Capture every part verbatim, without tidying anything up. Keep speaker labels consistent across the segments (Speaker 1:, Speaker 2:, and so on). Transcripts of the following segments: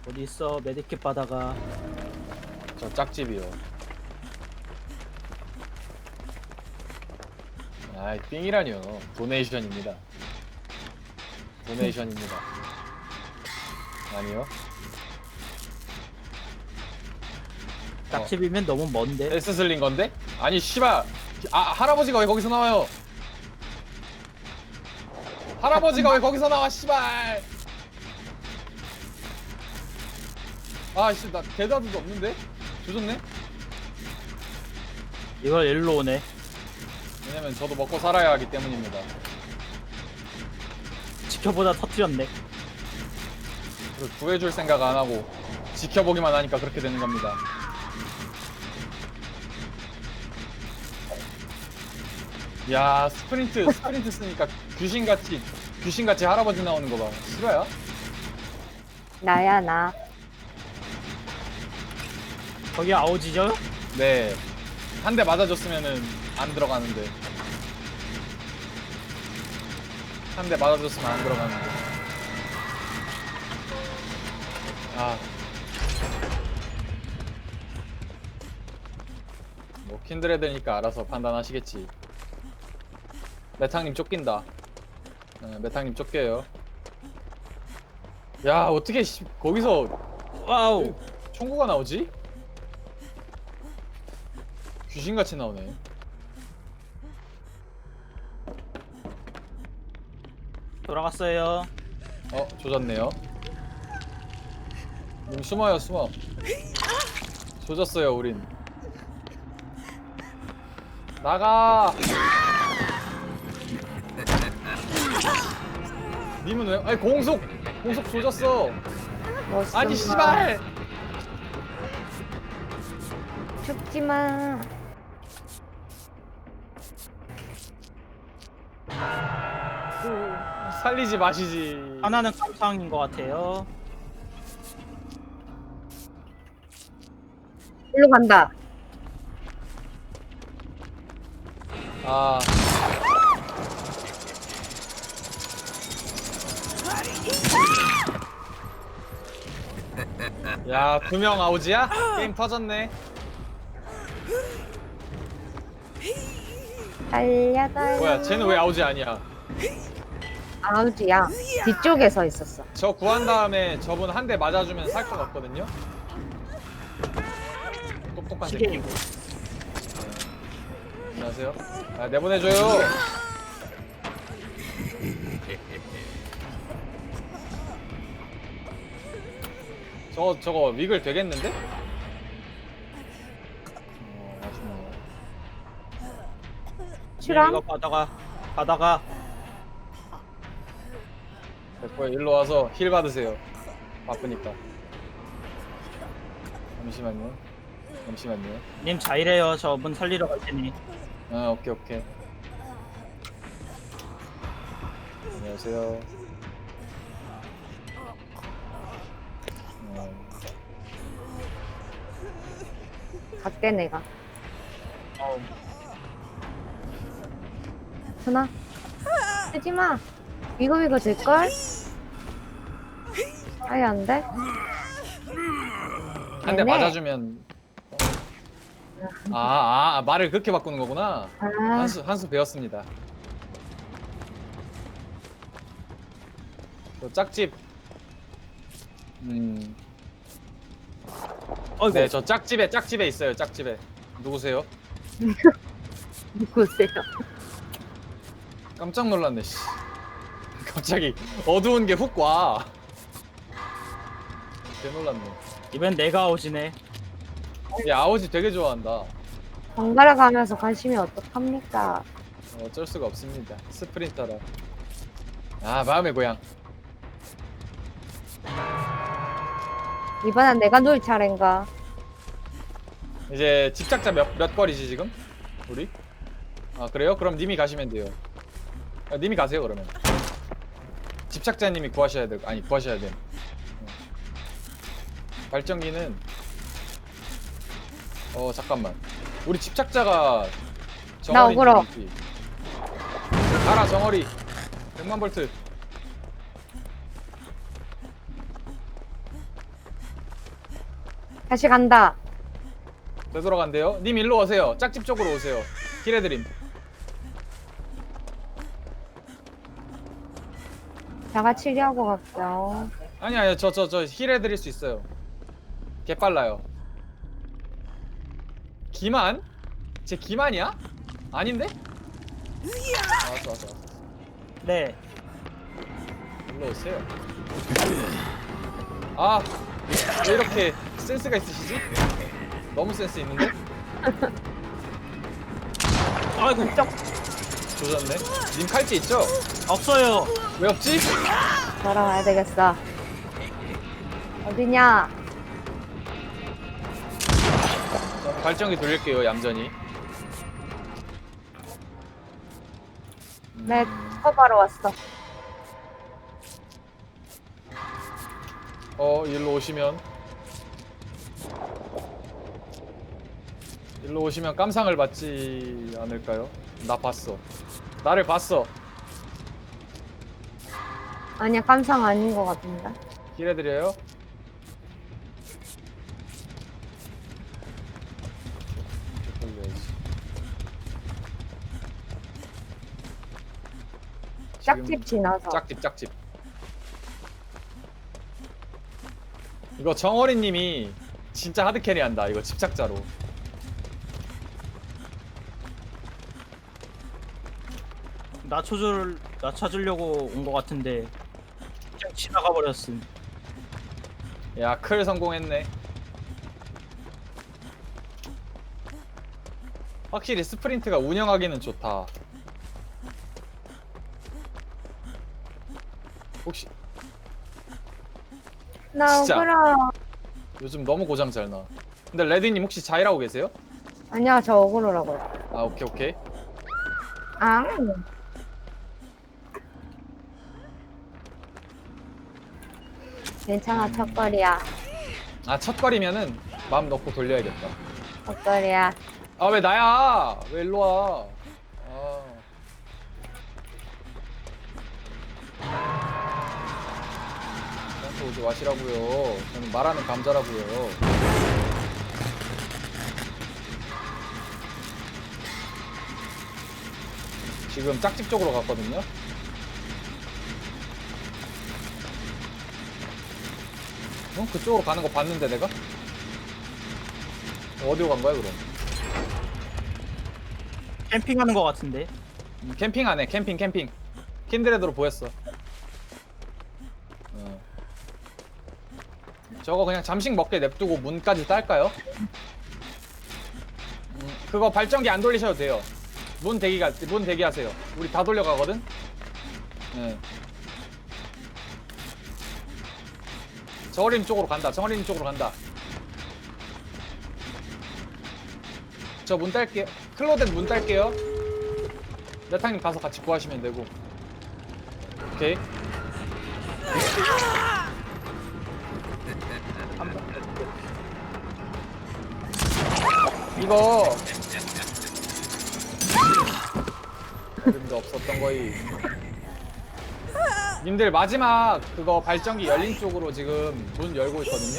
Speaker 1: 어디 있어? 메디킷 받아가.
Speaker 2: 저 짝집이요. 아이 삥이라니요. 도네이션입니다. 도네이션입니다. 아니요.
Speaker 1: 짝집이면 너무 먼데.
Speaker 2: 에스 슬린 건데? 아니 씨발. 아 할아버지가 왜 거기서 나와요? 할아버지가 왜 거기서 나와 씨발. 아씨 나 대다도 없는데? 조졌네?
Speaker 1: 이걸 일로 오네.
Speaker 2: 왜냐면 저도 먹고 살아야 하기 때문입니다.
Speaker 1: 지켜보다 터뜨렸네.
Speaker 2: 그걸 구해줄 생각 안 하고 지켜보기만 하니까 그렇게 되는 겁니다. 야 스프린트 스프린트 쓰니까 귀신같이 귀신같이 할아버지 나오는 거 봐. 싫어요?
Speaker 3: 나야 나.
Speaker 1: 거기 아오지죠?
Speaker 2: 네. 한 대 맞아줬으면은 안 들어가는데. 한 대 맞아줬으면 안 들어가는데. 아. 뭐 킨드레드니까 알아서 판단하시겠지. 메탕님 쫓긴다. 네, 메탕님 쫓겨요. 야 어떻게 씨, 거기서
Speaker 1: 와우.
Speaker 2: 총구가 나오지? 귀신같이 나오네.
Speaker 1: 돌아갔어요.
Speaker 2: 어 조졌네요. 님 숨어요 숨어. 조졌어요 우린. 나가. 님은 왜? 아니 공속 공속 조졌어.
Speaker 3: 뭐
Speaker 2: 아니
Speaker 3: 좀
Speaker 2: 씨발.
Speaker 3: 죽지 마.
Speaker 2: 살리지 마시지.
Speaker 1: 하나는 감상인 것 같아요.
Speaker 3: 일로 간다.
Speaker 2: 아. 야, 두 명 아우지야? 게임 터졌네.
Speaker 3: 달려 달려.
Speaker 2: 뭐야, 쟤는 왜 아우지 아니야?
Speaker 3: 아우지야. 뒤쪽에 서 있었어.
Speaker 2: 저 구한 다음에 저분 한 대 맞아주면 살 것 같거든요? 똑똑한 새끼.
Speaker 1: 시계이고.
Speaker 2: 안녕하세요. 아, 내보내줘요. 저거, 저거 위글 되겠는데? 어, 아쉽네.
Speaker 3: 출항?
Speaker 1: 이거 받아가. 받아가.
Speaker 2: 됐고요. 일로 와서 힐 받으세요. 바쁘니까. 잠시만요. 잠시만요.
Speaker 1: 님 자이래요. 저 문 살리러 갈 테니.
Speaker 2: 아, 오케이, 오케이. 안녕하세요. 어,
Speaker 3: 갈게 내가.
Speaker 1: 어우.
Speaker 3: 순아. 하지 마. 이거 이거 될걸? 아예 안 돼?
Speaker 2: 한 대
Speaker 3: 네네.
Speaker 2: 맞아주면. 아, 아, 아, 말을 그렇게 바꾸는 거구나.
Speaker 3: 아,
Speaker 2: 한수, 한수 배웠습니다. 저 짝집. 음.
Speaker 1: 어이구.
Speaker 2: 네, 저 짝집에, 짝집에 있어요, 짝집에. 누구세요?
Speaker 3: 누구세요?
Speaker 2: 깜짝 놀랐네, 씨. 갑자기 어두운 게 훅 와. 개 놀랐네.
Speaker 1: 이번엔 내가 아오지네.
Speaker 2: 얘 아오지 되게 좋아한다.
Speaker 3: 번갈아 가면서 관심이 어떡합니까?
Speaker 2: 어쩔 수가 없습니다. 스프린터라. 아, 마음의 고향.
Speaker 3: 이번엔 내가 누울 차례인가?
Speaker 2: 이제 집착자 몇, 몇 거리지 지금? 우리? 아 그래요? 그럼 님이 가시면 돼요. 아, 님이 가세요 그러면. 집착자님이 구하셔야 돼. 아니 구하셔야 돼. 어. 발전기는 어 잠깐만. 우리 집착자가
Speaker 3: 나 억울어.
Speaker 2: 있지. 가라 정어리. 백만 볼트.
Speaker 3: 다시 간다.
Speaker 2: 되돌아간대요. 님 일로 오세요. 짝집 쪽으로 오세요. 힐 해드림.
Speaker 3: 자가 치료하고 갈게요.
Speaker 2: 아니 아니 저 저 저 힐 해드릴 수 있어요. 개 빨라요. 기만? 제 기만이야? 아닌데? 아, 왔어 왔어 왔어.
Speaker 1: 네.
Speaker 2: 일로 오세요. 아, 왜 이렇게 센스가 있으시지? 너무 센스 있는데?
Speaker 1: 아이고
Speaker 2: 조졌네. 님 칼찌 있죠?
Speaker 1: 없어요.
Speaker 2: 왜 없지?
Speaker 3: 돌아와야 되겠어. 어디냐?
Speaker 2: 저는 발전기 돌릴게요 얌전히.
Speaker 3: 내 커버로 왔어.
Speaker 2: 어 일로 오시면 일로 오시면 깜상을 받지 않을까요? 나 봤어. 나를 봤어.
Speaker 3: 아니야, 깜상 아닌 것 같은데.
Speaker 2: 힐 해드려요.
Speaker 3: 짝집 지나서.
Speaker 2: 짝집 짝집. 이거 정어리님이 진짜 하드캐리 한다. 이거 집착자로.
Speaker 1: 나 쳐줄 나 찾으려고 온 것 같은데 그냥 지나가 버렸음.
Speaker 2: 야, 클 성공했네. 확실히 스프린트가 운영하기는 좋다. 혹시
Speaker 3: 나
Speaker 2: 진짜.
Speaker 3: 억울하.
Speaker 2: 요즘 너무 고장 잘 나. 근데 레드님 혹시 자일하고 계세요?
Speaker 3: 아니야, 저 억울하라고요.
Speaker 2: 아, 오케이 오케이.
Speaker 3: 아. 괜찮아, 첫거리야.
Speaker 2: 아, 첫거리면은 마음 놓고 돌려야겠다.
Speaker 3: 첫거리야.
Speaker 2: 아, 왜 나야? 왜 일로 와? 아. 저한테 오지 마시라고요. 저는 말하는 감자라고요. 지금 짝집 쪽으로 갔거든요. 어? 그쪽으로 가는 거 봤는데 내가? 어디로 간 거야 그럼?
Speaker 1: 캠핑하는 것 같은데.
Speaker 2: 음, 캠핑 안해. 캠핑 캠핑. 킨드레드로 보였어. 어. 저거 그냥 잠식 먹게 냅두고 문까지 딸까요? 음, 그거 발전기 안 돌리셔도 돼요. 문 대기가 문 대기하세요. 우리 다 돌려가거든. 네. 정어린 쪽으로 간다. 정어린 쪽으로 간다. 저 문 딸게요. 클로덴 문 딸게요. 메탕님 가서 같이 구하시면 되고. 오케이. 이거 이름도 없었던 거이. 님들 마지막 그거 발전기 열린 쪽으로 지금 문 열고 있거든요.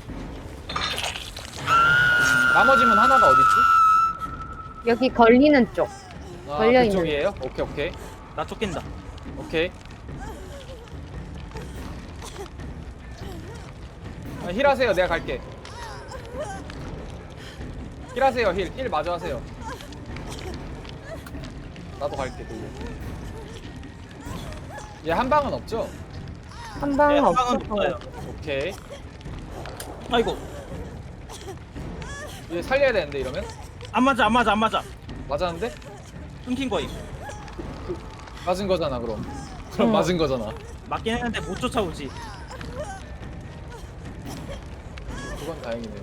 Speaker 2: 음, 나머지 문 하나가 어딨지?
Speaker 3: 여기 걸리는 쪽.
Speaker 2: 아,
Speaker 3: 걸려있는
Speaker 2: 그쪽이에요? 오케이 오케이
Speaker 1: 나 쫓긴다.
Speaker 2: 오케이. 아, 힐 하세요. 내가 갈게. 힐 하세요. 힐. 힐 마저 하세요. 나도 갈게. 얘 한 방은 없죠?
Speaker 3: 한
Speaker 1: 네,
Speaker 3: 방은
Speaker 1: 한 방은
Speaker 3: 없었던
Speaker 1: 없어요.
Speaker 3: 거.
Speaker 2: 오케이.
Speaker 1: 아이고
Speaker 2: 얘 살려야 되는데 이러면?
Speaker 1: 안 맞아 안 맞아 안 맞아.
Speaker 2: 맞았는데?
Speaker 1: 끊긴 거임.
Speaker 2: 맞은 거잖아 그럼. 그럼
Speaker 3: 응.
Speaker 2: 맞은 거잖아.
Speaker 1: 맞긴 했는데 못 쫓아오지.
Speaker 2: 그건 다행이네요.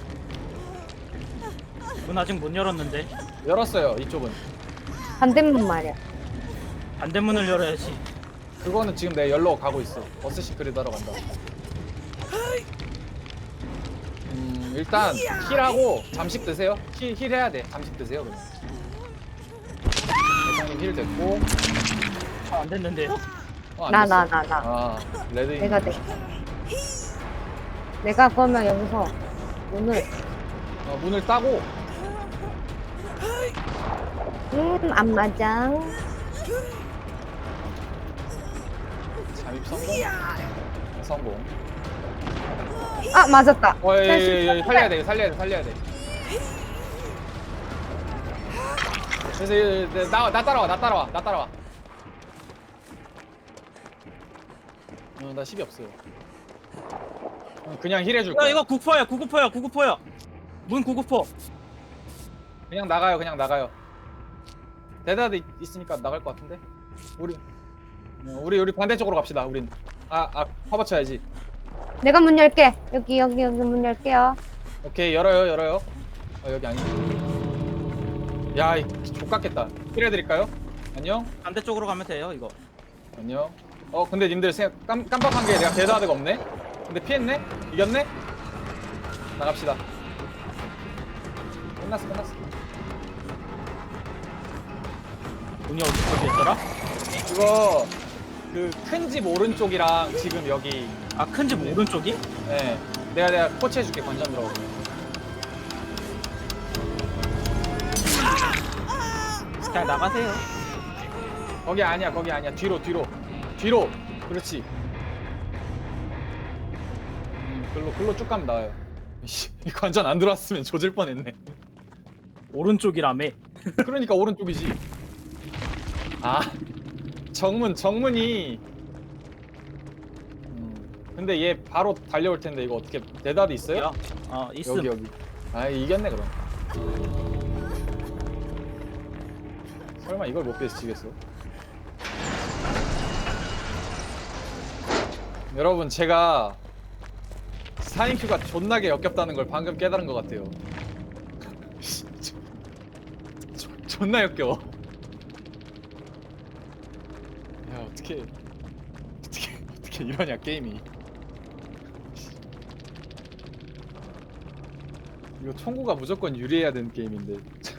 Speaker 1: 문 아직 못 열었는데
Speaker 2: 열었어요 이쪽은.
Speaker 3: 반대문 말이야.
Speaker 1: 반대문을 열어야지.
Speaker 2: 그거는 지금 내 열로 가고 있어. 버스 시크릿 하러 간다. 음 일단 힐하고 잠식 드세요. 힐, 힐 해야 돼. 잠식 드세요 그냥. 대장님 힐 됐고.
Speaker 1: 아, 안 됐는데요?
Speaker 2: 어, 안
Speaker 3: 나,
Speaker 2: 됐어.
Speaker 3: 나, 나, 나.
Speaker 2: 아 레드.
Speaker 3: 내가 돼. 내가 그러면 여기서 문을.
Speaker 2: 어, 문을 따고
Speaker 3: 음, 안마장.
Speaker 2: 잠입 성공. 성공.
Speaker 3: 아, 맞았다.
Speaker 2: 어, 예, 예,
Speaker 3: 자,
Speaker 2: 예, 예, 살려야 돼, 살려야 돼, 살려야 돼. 그래서 예, 예, 나, 나 따라와, 나 따라와, 나 따라와. 어, 나 십이 없어요. 어, 그냥 힐 해줄
Speaker 1: 야
Speaker 2: 거야.
Speaker 1: 이거 구구퍼야 구구퍼야 구구퍼야. 문 구구퍼.
Speaker 2: 그냥 나가요, 그냥 나가요. 대다드 있- 있으니까 나갈 것 같은데. 우리, 어, 우리 우리 반대쪽으로 갑시다. 우린 아, 아, 화버 쳐야지.
Speaker 3: 내가 문 열게. 여기, 여기, 여기 문 열게요.
Speaker 2: 오케이, 열어요, 열어요. 어, 여기 아니지. 야, 이 족같겠다. 힐 해드릴까요? 안녕,
Speaker 1: 반대쪽으로 가면 돼요 이거.
Speaker 2: 안녕. 어, 근데 님들 생각 깜, 깜빡한 게 내가 대다드가 없네. 근데 피했네? 이겼네? 나갑시다. 끝났어, 끝났어.
Speaker 1: 문이 어디 어디였더라?
Speaker 2: 이거 그 큰 집 오른쪽이랑 지금 여기.
Speaker 1: 아 큰 집 오른쪽이?
Speaker 2: 예, 내가 내가 코치해줄게. 관전 들어오고.
Speaker 1: 그냥 나가세요.
Speaker 2: 거기 아니야, 거기 아니야. 뒤로, 뒤로, 뒤로. 그렇지. 음, 글로 글로 쭉 가면 나와요. 씨, 이 관전 안 들어왔으면 조질 뻔했네.
Speaker 1: 오른쪽이라며.
Speaker 2: 그러니까 오른쪽이지. 아, 정문, 정문이. 음, 근데 얘 바로 달려올 텐데 이거 어떻게 대답이 있어요?
Speaker 1: 야, 어 있음.
Speaker 2: 여기 여기. 아, 이겼네 그럼. 설마 이걸 못 피해서 지겠어? 여러분, 제가 사인큐가 존나게 역겹다는 걸 방금 깨달은 것 같아요. 조- 존나 역겨워. 야, 어떻게 어떻게 어떻게 이러냐 게임이. 이거 총구가 무조건 유리해야 되는 게임인데.